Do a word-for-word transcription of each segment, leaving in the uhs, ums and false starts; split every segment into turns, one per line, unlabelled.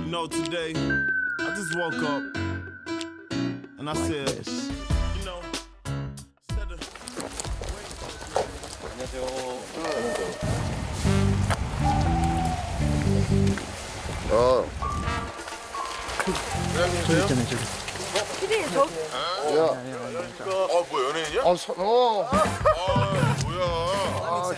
know, today I just woke up and I said, you know, instead of
어.
저기 있잖아요, 저기.
피디 저
야.
어, 뭐 연예인이야?
어, 서, 어.
아, 뭐야?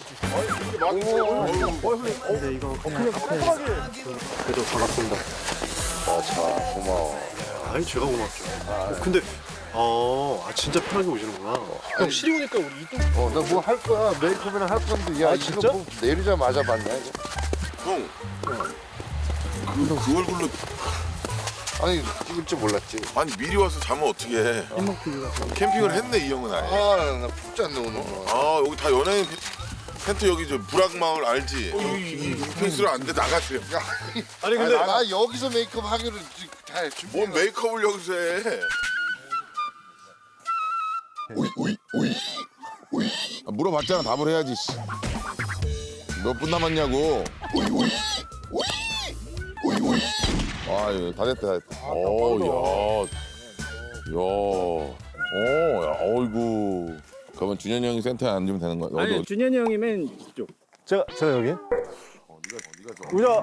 근데 이거 그냥 앞에
그래도 반갑습니다.
아, 자, 고마워.
아니 제가 고맙죠. 어, 근데 어, 아 진짜 편하게 오시는구나. 형 시리 오니까 우리 이동.
어, 나 뭐 할 거야. 메이크업이나 할 건데. 야,
아,
이거
진짜?
뭐 내리자마자 봤냐, 이거?
형. 그, 그 얼굴로
아니, 찍을 줄 몰랐지.
아니 미리 와서 자면 어떻게 해? 캠핑을 했네 이 형은 아예.
아, 나, 나 푹 잤네, 오늘.
아 여기 다 연예인 텐- 텐트 여기 저 불악마을 알지? 페이스로 안 돼 나가세요.
아니
아,
근데
나, 나 여기서 메이크업 하기로 지- 다 준비.
뭔 메이크업을 여기서 해? 아, 물어봤잖아 답을 해야지. 몇 분 남았냐고. 아, 예, 다 됐다, 다 됐다. 오, 야, 야, 오, 야, 어이구. 그러면 준현이 형이 센터에 앉으면 되는 거야.
아니
너도
준현이 형이 맨 이쪽.
제가 제가 여기.
네가 좀.
우자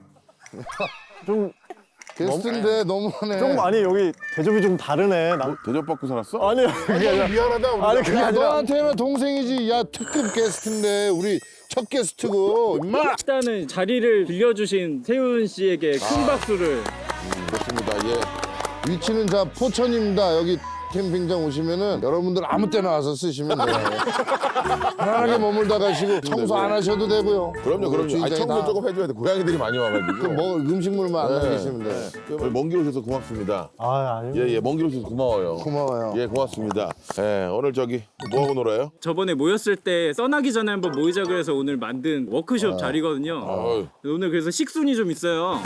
좀
게스트인데 너무하네.
좀 아니 여기 대접이 좀 다르네. 나,
대접받고 살았어?
아니 그게 아니라
미안하다. 우리가.
아니 그게
야,
아니라
너한테는 동생이지. 야, 특급 게스트인데 우리 첫 게스트고. 임마.
일단은 자리를 빌려주신 세훈 씨에게 큰 박수를.
좋습니다. 예.
위치는 자 포천입니다. 여기 캠핑장 오시면은 여러분들 아무 때나 와서 쓰시면 돼요. 편하게 머물다 가시고 청소 안 하셔도 되고요.
그럼요, 그럼요. 아니,
주인장이
청소
다
조금 해줘야 돼. 고양이들이 많이 와가지고.
그 뭐 음식물만 안
네.
남기시면 돼요.
먼 길 오셔서 고맙습니다.
아 아니
예, 예, 먼 길 오셔서 고마워요.
고마워요.
예, 고맙습니다. 예, 오늘 저기 뭐 하고 놀아요?
저번에 모였을 때 써나기 전에 한번 모이자 그래서 오늘 만든 워크숍 자리거든요.
어이.
오늘 그래서 식순이 좀 있어요.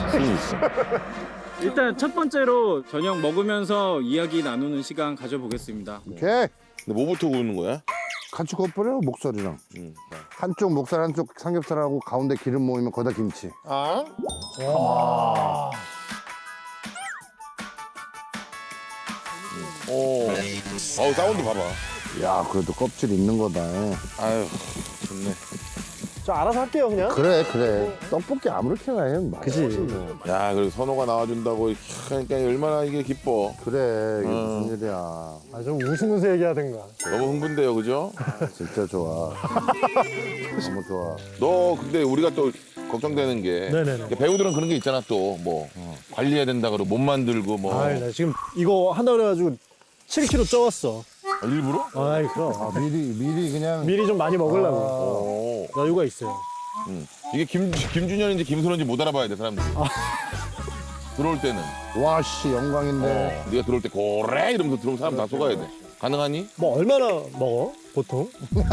일단 첫 번째로 저녁 먹으면서 이야기 나누는 시간 가져보겠습니다.
오케이.
근데 뭐부터 구우는 거야?
같이 겉버려 목살이랑.
음.
한쪽 목살 한쪽 삼겹살하고 가운데 기름 모이면 거기다 김치.
아? 오. 어우, 사운드 봐봐.
야, 그래도 껍질 있는 거다.
아유, 좋네.
저 알아서 할게요 그냥.
그래, 그래. 떡볶이 아무렇게나 해.
그치.
뭐.
야, 그리고 선호가 나와준다고 그러니까 얼마나 이게 기뻐.
그래, 이게
어.
무슨 일이야.
아 좀 웃으면서 얘기하든가.
너무 흥분돼요, 그죠?
진짜 좋아. 너무 좋아.
너 근데 우리가 또 걱정되는 게
네네네.
배우들은 그런 게 있잖아 또 뭐 관리해야 된다 그러고 못 만들고 뭐
아이 나 지금 이거 한다 그래가지고 칠 킬로그램 쪄왔어.
아, 일부러?
아이 그럼
아, 미리, 미리 그냥.
미리 좀 많이 먹으려고
오.
여유가 있어요.
응. 이게 김 김준현인지 김선호인지 못 알아봐야 돼 사람들이. 들어올 때는
와, 씨, 영광인데.
어, 네가 들어올 때 고래 이러면서 들어오면 사람 다 속아야 돼. 가능하니?
뭐 얼마나 먹어 보통?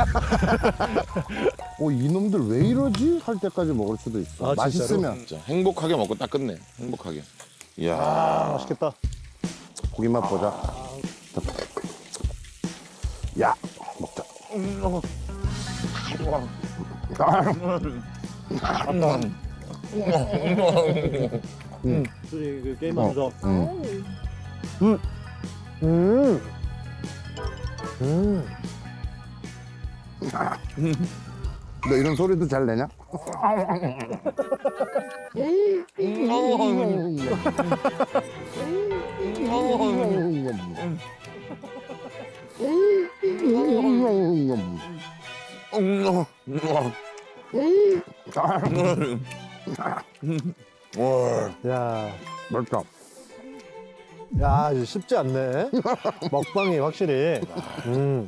어, 이놈들 왜 이러지? 할 때까지 먹을 수도 있어.
아,
맛있으면.
진짜 행복하게 먹고 딱 끝내. 행복하게. 이야.
맛있겠다.
고기 맛 보자. 야, 먹자.
둘이 그 게임하면서.
응.
음. 음.
너 이런 소리도 잘 내냐?
야,
맛있다.
야, 이거 쉽지 않네. 먹방이 확실히. 음.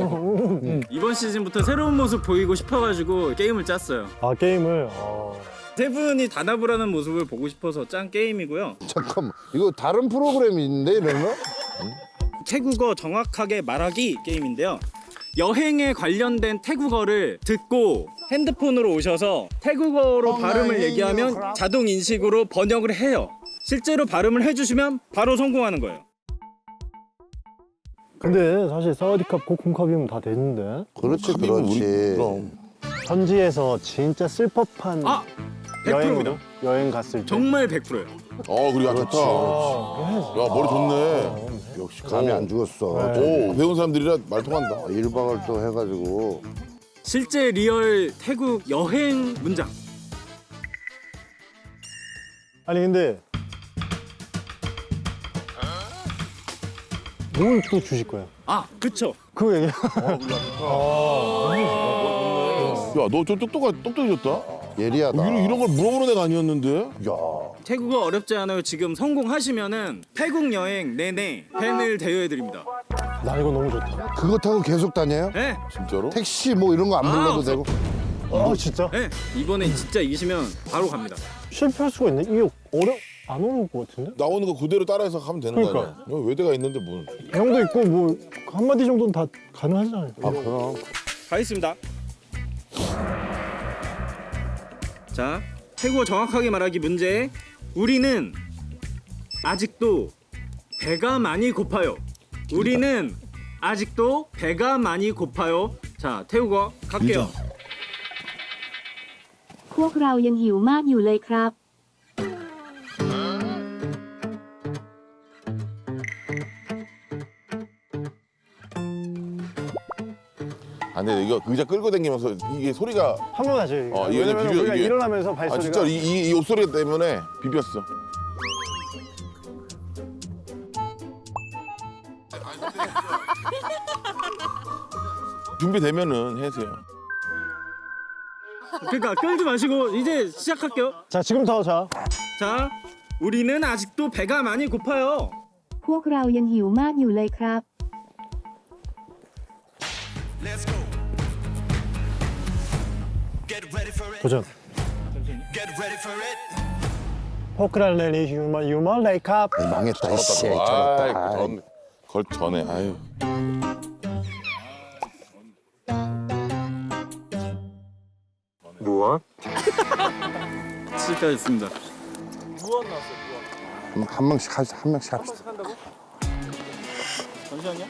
이번 시즌부터 새로운 모습 보이고 싶어가지고 게임을 짰어요.
아 게임을. 어.
세 분이 단합을 하는 모습을 보고 싶어서 짠 게임이고요.
잠깐만 이거 다른 프로그램인데 이런 거?
태국어 정확하게 말하기 게임인데요. 여행에 관련된 태국어를 듣고 핸드폰으로 오셔서 태국어로 발음을 얘기하면 자동 인식으로 번역을 해요. 실제로 발음을 해주시면 바로 성공하는 거예요.
근데 사실 사와디캅 코쿤캅이면 다 되는데
그렇지
합이면 우리-
그렇지.
그럼.
현지에서 진짜 쓸 법한
아!
여행으로
백 퍼센트입니다.
여행 갔을 때
정말 백 퍼센트예요.
어 그리고 아, 좋다. 야 머리 좋네.
역시 감이
오.
안 죽었어.
오 배운 사람들이라 말 통한다.
일 박을 또 해가지고
실제 리얼 태국 여행 문장.
아니 근데 뭘 또 주실 거예요?
아, 그쵸.
그 얘기
야너 좀 똑똑하 똑똑해졌다.
예리하다.
이런 이런 걸 물어보는 애가 아니었는데.
야
태국어 어렵지 않아요. 지금 성공하시면은 태국 여행 내내 팬을 대여해드립니다.
나 이거 너무 좋다.
그거 타고 계속 다녀요?
네,
진짜로?
택시 뭐 이런 거 안
아,
불러도
없어.
되고?
아 진짜?
네. 이번에 진짜 이기시면 바로 갑니다.
실패할 수가 있네. 이게 어려 안 어려울 것 같은데?
나오는 거 그대로 따라해서 하면 되는 거
그러니까.
아니야? 여기 외대가 있는데 뭐.
형도 있고 뭐 한마디 정도는 다 가능하잖아요.
아 그럼.
가겠습니다. 자, 태국어 정확하게 말하기 문제. 우리는 아직도 배가 많이 고파요. 우리는 아직도 배가 많이 고파요. 자, 태국어 갈게요.
พวกเรายังหิวมากอยู่เลยครับ
아 근데 이거 의자 끌고 다니면서 이게 소리가
한 번 하죠.
어, 이거
왜냐면
비벼-
우리가
이게-
일어나면서
아
발소리가
진짜 이, 이, 이 옷소리 때문에 비볐어. 준비되면은 해주세요.
그러니까 끌지 마시고 이제 시작할게요.
자 지금부터 자
자, 우리는 아직도 배가 많이 고파요.
พวกเรายังหิวมากอยู่เลยครับ
도전. 포크랄레리 휴먼 유먼 레이캅.
망했다 씨.
아이,
저렇다.
전, 걸 전에 아유.
무엇?
실패하셨습니다.
한, 한 명씩 하, 한 명씩 합시다.
잠시만요.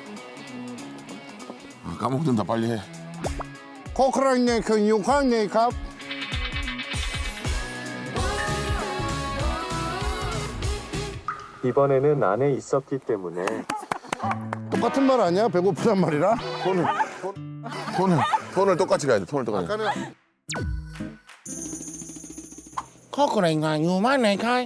아, 까먹든다 빨리 해.
코크랑네 그 육황네 갑.
이번에는 안에 있었기 때문에
똑같은 말 아니야? 배고프단 말이라?
톤을 톤을 톤을 똑같이 가야 돼. 톤을 똑같이.
코크랑네 유만네 갑.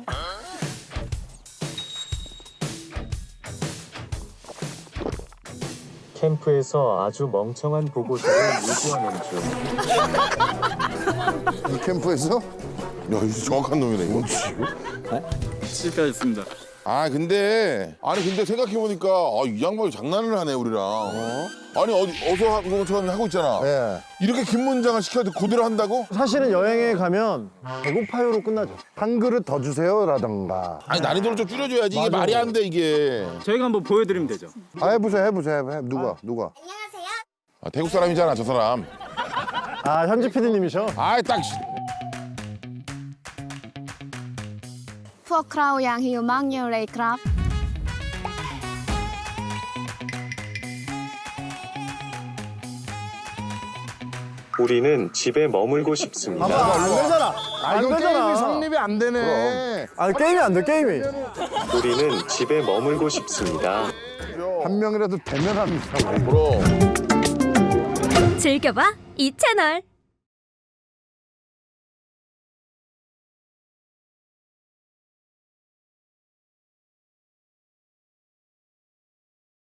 캠프에서 아주 멍청한 보고서를 유지하는 중.
이 캠프에서?
야, 이거 정확한 놈이네 이거.
실패하셨습니다.
아 근데 아니 근데 생각해 보니까 아, 이 양반이 장난을 하네 우리랑. 아니 어디 어서 하는 것처럼 하고 있잖아.
예.
이렇게 긴 문장을 시켜도 그대로 한다고?
사실은 여행에 가면 배고파요로 끝나죠.
한 그릇 더 주세요라던가.
아니 난이도를 좀 줄여줘야지 이게
맞아.
말이 안 돼 이게.
저희가 한번 보여드리면 되죠.
아 해보세요 해보세요 해보세요. 누가 누가?
아, 태국 사람이잖아 저 사람.
아 현지 피디님이셔.
아이 딱.
พวกเรายังหิวมากอยู่เลยครับ
우리는 집에 머물고 싶습니다.
봐봐 안 되잖아.
아
안
이거
되잖아.
게임이 성립이 안 되네.
아 게임이 안 돼 게임이.
우리는 집에 머물고 싶습니다.
한 명이라도 대면합니다.
그럼.
즐겨봐 이 채널.